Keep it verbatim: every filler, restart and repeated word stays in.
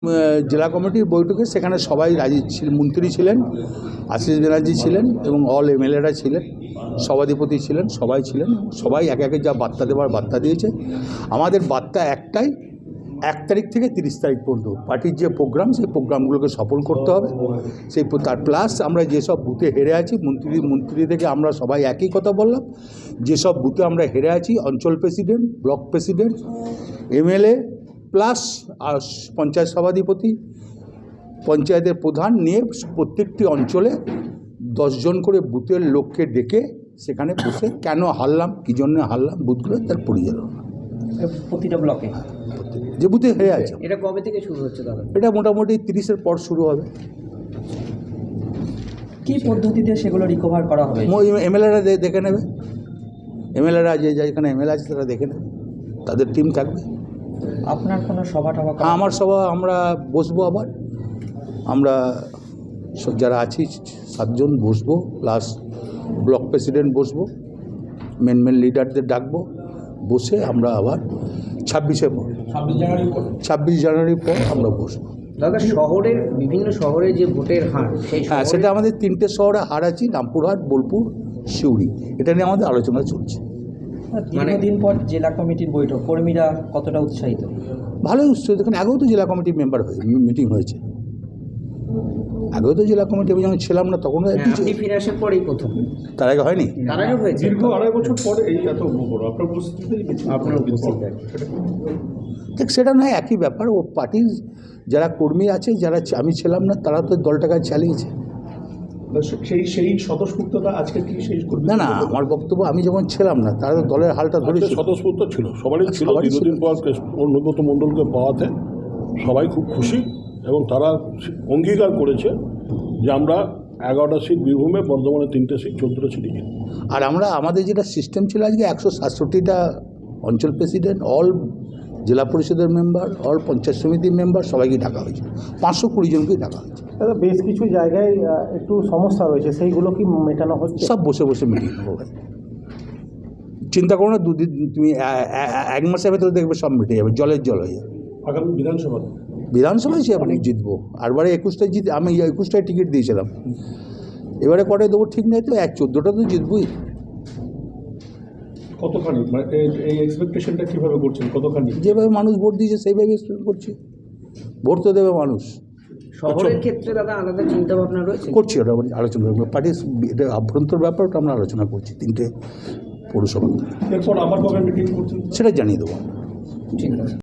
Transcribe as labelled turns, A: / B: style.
A: জেলা কমিটির বৈঠকে সেখানে সবাই রাজি ছিল, মন্ত্রী ছিলেন, আশিস ব্যানার্জি ছিলেন এবং অল এমএলএরা ছিলেন, সভাধিপতি ছিলেন, সবাই ছিলেন। সবাই একে একে যা বার্তা দেওয়ার বার্তা দিয়েছে। আমাদের বার্তা একটাই, এক তারিখ থেকে তিরিশ তারিখ পর্যন্ত পার্টির যে প্রোগ্রাম, সেই প্রোগ্রামগুলোকে সফল করতে হবে। সেই তার প্লাস আমরা যেসব বুথে হেরে আছি, মন্ত্রী মন্ত্রী থেকে আমরা সবাই একই কথা বললাম, যেসব বুথে আমরা হেরে আছি অঞ্চল president, block president, MLA plus আর পঞ্চায়েত সভাধিপতি, পঞ্চায়েতের প্রধান নিয়ে প্রত্যেকটি অঞ্চলে দশজন করে বুথের লোককে ডেকে সেখানে বসে কেন হারলাম, কী জন্য হারলাম, বুথগুলো তার পরিচালনা
B: প্রতিটা ব্লকে
A: যে বুথে হেরে আছে।
B: এটা কবে থেকে শুরু হচ্ছে দাদা?
A: এটা মোটামুটি তিরিশের পর শুরু হবে।
B: কি পদ্ধতিতে সেগুলো রিকভার করা হবে?
A: এমএলএরা দেখে নেবে, এমএলএরা যে যেখানে এমএলএ আছে তারা দেখে নেবে, তাদের টিম থাকবে।
B: আপনার কোনো সভা টভা?
A: আমার সভা আমরা বসবো, আবার আমরা যারা আছি সাতজন বসবো, প্লাস ব্লক প্রেসিডেন্ট বসবো, মেন মেন লিডারদের ডাকবো, বসে আমরা আবার ছাব্বিশে পর ছাব্বিশ জানুয়ারির পর আমরা বসবো।
B: দাদা, শহরের বিভিন্ন শহরে যে ভোটের হার, সেই
A: হ্যাঁ, সেটা আমাদের তিনটে শহরে হার আছি, রামপুরহাট, বোলপুর, সিউড়ি। এটা নিয়ে আমাদের আলোচনা চলছে।
B: মানে দিন পর জেলা কমিটির বৈঠক, কর্মীরা কতটা উৎসাহিত?
A: ভালোই উৎসাহিত। এখানে আগেও তো জেলা কমিটির মেম্বার হয়ে মিটিং হয়েছে, আগেও তো জেলা কমিটি আমি যখন ছিলাম না তখন
B: ফিরে আসার পরেই প্রথম,
A: তার আগে হয়নি,
B: তার আগে হয়েছে
C: দীর্ঘ আড়াই বছর পরে এই এত বড় আপনার উপস্থিতিতেই
B: আপনার উপস্থিতি।
A: ঠিক সেটা নয়, একই ব্যাপার। ও পার্টির যারা কর্মী আছে, যারা আমি ছিলাম না, তারা তো দলটাকে চালিয়েছে।
C: সেই সেই স্বতঃস্ফূর্ততা আজকে কি সেই
A: না না, আমার বক্তব্য আমি যখন ছিলাম না তারা তো দলের হালটা ধরেছিল।
D: স্বতঃস্ফূর্ত ছিল, সবারই ছিল। দীর্ঘদিন পর অনুব্রত মণ্ডলকে পাওয়াতে সবাই খুব খুশি এবং তারা অঙ্গীকার করেছে যে আমরা এগারোটা সিট বীরভূমে, বর্ধমানে তিনটে সিট, চোদ্দোটা সিটে কিনি।
A: আর আমরা আমাদের যেটা সিস্টেম ছিল আজকে একশো সাতষট্টিটা অঞ্চল প্রেসিডেন্ট, অল জেলা পরিষদের মেম্বার, অল পঞ্চায়েত সমিতির মেম্বার সবাইকে ডাকা হয়েছে, পাঁচশো কুড়ি জনকেই ডাকা হয়েছে।
E: দাদা, বেশ কিছু জায়গায় একটু সমস্যা রয়েছে, সেইগুলো কি মেটানো হচ্ছে?
A: সব বসে বসে মিটিং হবে ভাই, চিন্তা করো না। দুদিন তুমি এক মাসের ভেতরে দেখবে সব মিটে যাবে, জলের জল হয়ে যাবে।
C: আগামী বিধানসভা
A: বিধানসভায় সে আপনি জিতবো, আরবারে একুশটায় জিত, আমি একুশটায় টিকিট দিয়েছিলাম, এবারে কটায় দেবো ঠিক নেই, তো এক চোদ্দোটা তো জিতবই।
C: কতখানি মানে এই এক্সপেকটেশনটা কীভাবে করছেন, কতখানি?
A: যেভাবে মানুষ ভোট দিয়েছে সেইভাবে এক্সপেক্ট করছি, ভোট তো দেবে মানুষ।
B: শহরের ক্ষেত্রে দাদা আলাদা চিন্তা ভাবনা রয়েছে?
A: করছি, ওটা আলোচনা করবো, পার্টির এটা আভ্যন্তর ব্যাপার, ওটা আমরা আলোচনা করছি তিনটে পৌরসভা।
C: এরপর আবার কবে মিটিং করছেন
A: সেটা জানিয়ে দেবো।
B: ঠিক আছে।